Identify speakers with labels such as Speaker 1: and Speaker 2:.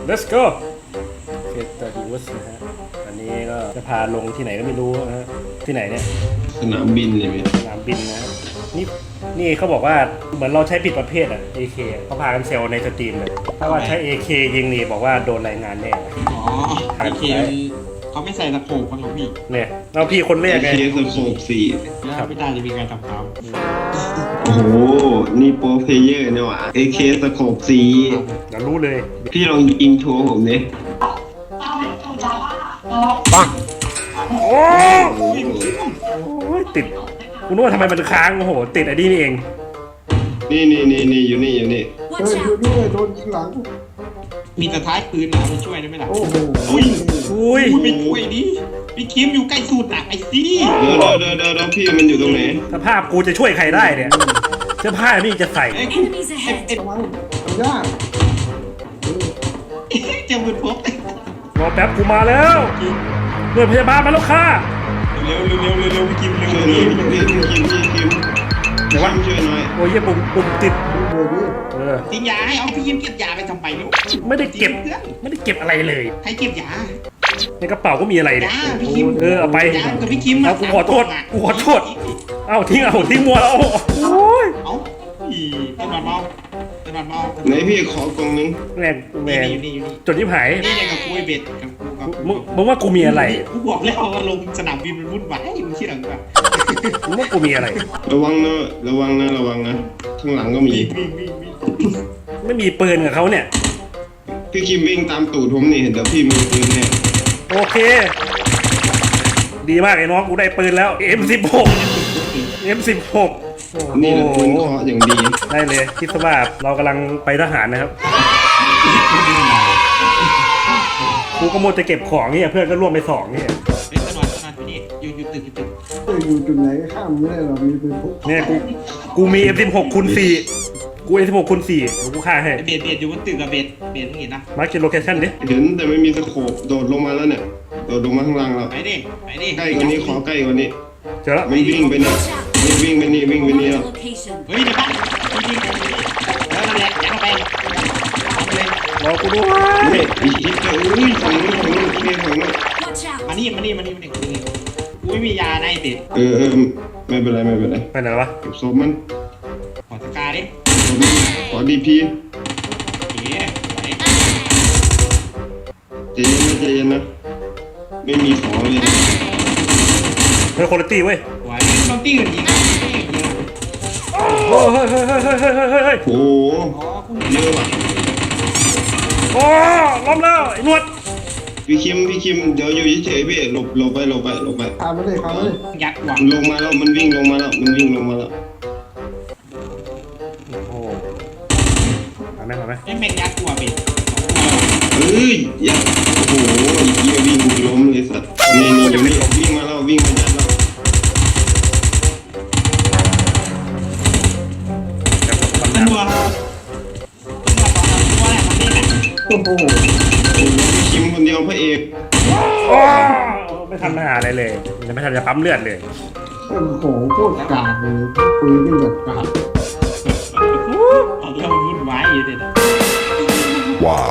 Speaker 1: let's go เฟสเตอร์ดิวส์นะฮะอันนี้ก็จะพาลงที่ไหนก็ไม่รู้นะฮะที่ไหนเนี่ย
Speaker 2: สนามบินเลยพี่
Speaker 1: สนามบินนะนี่เขาบอกว่าเหมือนเราใช้ผิดประเภทอ่ะ AK เขาพากันเซลในสตรีมเลยถ้าว่าใช้ AK ยิงนี่บอกว่าโดนรายงานแน่
Speaker 3: อ๋อโอเคเขาไม่ใส่ตะโขบกันหรอกพี่
Speaker 1: เนี่ยเราพี่คนแรกไง
Speaker 2: เคสโคบ4
Speaker 3: แล้วไม่ได้จะมีการทำตาม
Speaker 2: โอ้โหนี่โปรเพลเยอร์เนี่ยว่ะ AK สโคบ4
Speaker 1: เดี๋ยวรู้เลย
Speaker 2: พี่ลองยิงโชว์ผมดิ
Speaker 1: ปังโอ้ยติดกูนึกว่าทำไมมันค้างโอ้โหติดไอ้นี่เอง
Speaker 2: นี่อยู่นี่
Speaker 4: ช่วยด้วยโดนยิงหลัง
Speaker 3: มีแต่ท้ายปืนนะมาช่วยได้ไหมล่ะ
Speaker 4: โอ้โห
Speaker 1: อุ้ย
Speaker 3: ไม่ช่วยดิพี่คิมอยู่ใกล้สุดอ่ะไอ้ซี่
Speaker 2: เดี๋ยวพี่มันอยู่ตรงไหน
Speaker 1: สภาพกูจะช่วยใครได้เนี่ยเสื้อผ้านี่จะใส่
Speaker 5: Enemies ahead.
Speaker 4: ระวังมันยาก
Speaker 3: เจ้าบุญพบ
Speaker 1: รอแป๊บกูมาแล้วหน่วยพยาบาลมาแล้วค่ะ
Speaker 3: เร็วพี่คิมเร็ว
Speaker 2: ช่วยหน่อยพี่คิม
Speaker 1: เดี๋ยววะ
Speaker 2: ช่วยหน่อย
Speaker 1: โอ้ยเหี้ยปุ่มติด
Speaker 4: เดี๋ยวนี้
Speaker 3: ทิ้งยาให้เอาพี่คิมเก็บยาไปทำไปลูก
Speaker 1: ไม่ได้เก็บอะไรเลย
Speaker 3: ใครเก็บยา
Speaker 1: ในกระเป๋าก็มีอะไรเนี่ย
Speaker 3: ยาพี่คิม
Speaker 1: เอาไป
Speaker 3: ยากับพี่คิม
Speaker 1: เอากูขอโทษเอาทิ้งมัวแล้วโอ้ย
Speaker 3: เอาอีเป็นบัตรเมาเป็นบัตรเมา
Speaker 2: ไหนพี่ขอกล่องนึง
Speaker 1: แม่ง
Speaker 3: อยู่นี่
Speaker 1: จดยิบหาย
Speaker 3: นี่ไงกับกูไอเบ็ดกับกู
Speaker 1: มึงว่ากูมีอะไร
Speaker 3: กูบอกแล้วว่าลงสนามบินมันวุ่นวายมึงเชื่อหรือเปล่า
Speaker 1: มึงว่ากูมีอะไร
Speaker 2: ระวังนะข้างหลังก็มี
Speaker 3: วิ่ง
Speaker 1: ไม่มีปืนกับเขาเนี่ย
Speaker 2: พี่คิมวิ่งตามตูดผมนี่เดี๋ยวพี่มีปืนแน่
Speaker 1: โอเค ดีมากไอ้น้องกูได้ปืนแล้ว M16 M16
Speaker 2: นี่แหละปืนเคาะอย่างดี
Speaker 1: ได้เลยคิดซะว่าเรากำลังไปทหารนะครับกูก็มัวจะเก็บของเนี่ยเพื่อนก็ร่วมไป2เนี่ย
Speaker 3: เป็นตลอดพี่นี่อยู่ตึก
Speaker 4: อยู่จุดไหนก็ข้ามไม่ได้หรอกมีปืนพก
Speaker 1: เนี่ยกูมี M16 คูณ4กู M16 คูณ4เดี๋ยวกูฆ่าให้
Speaker 3: เบ็ดอยู่บนตึกกับเบ็ดมึงเห็นนะ
Speaker 1: มาร์คโลเคชั่นดิ
Speaker 2: เห็นแต่ไม่มีสโคปโดดลงมาแล้วเนี่ยโดดลงมาข้างล่างแล้ว
Speaker 3: ไปดิ
Speaker 2: ใกล้กว่านี้ขอใกล้กว่านี้
Speaker 1: เจอแล้ว
Speaker 2: มันวิ่งไปนี่วิ่งไปนี่
Speaker 5: Marked
Speaker 2: แล้ว
Speaker 5: a location.
Speaker 3: เฮ้ยเดี๋ยวบ้านจริงแล้วนั่นแหละยัดเข้าไปเลย
Speaker 1: รอกูด้วย
Speaker 2: เฮ้ยอีกทีเดียวอุ้ยฝั่งนู้นพี่ฝั่งนู้น
Speaker 5: Watch out.
Speaker 3: มานี่กูไม่มียาในเบ็ด
Speaker 2: ไม่เป็นไร
Speaker 1: ไปไหนแล้ววะ
Speaker 2: เก็บศพมัน
Speaker 3: ขอสกาดิ
Speaker 2: ขอดีพี
Speaker 3: เอ๋ไหว
Speaker 2: ใจเย็นนะไม่มีของเลย
Speaker 1: เฮ้ยคุณภาพเว้ย
Speaker 3: ไหวน้องตี้กันยิง
Speaker 1: เฮ้ย
Speaker 2: โอ้
Speaker 3: อ๋อกู
Speaker 2: เยอะว่ะ
Speaker 1: โอ้ล้มแล้วไอ้หนวด
Speaker 2: พี่คิมเดี๋ยวอยู่เฉยๆพี่หลบไป
Speaker 4: ข้ามไม่ได้ข้ามไม่ได้
Speaker 3: ยัดหวัง
Speaker 2: ลงมาแล้วมันวิ่งลงมาแล้ว
Speaker 1: โอ้โหมาไหม
Speaker 3: ไอ้แม่งยัดตัวเบ็ด
Speaker 2: เอ้ยอย่าโอ้โหเยี่ยวิ่งล้มเลยสัตว์นี่อยู่นี่วิ่งมายัดแล้ว
Speaker 3: ตำรวจตัวแหละมันนี่แหละ
Speaker 4: โอ้โห
Speaker 2: พี่คิมคนเดียวพระเอก
Speaker 1: โอ้ไม่ทำหาอะไรเลยยังไม่ทันจะปั๊มเลือดเลย
Speaker 4: โอ้โหโคตรกากเลยปืนนี่แบบกาก
Speaker 3: เอาเรื่องมันวุ่นวายอยู่เด็ด
Speaker 6: Wow.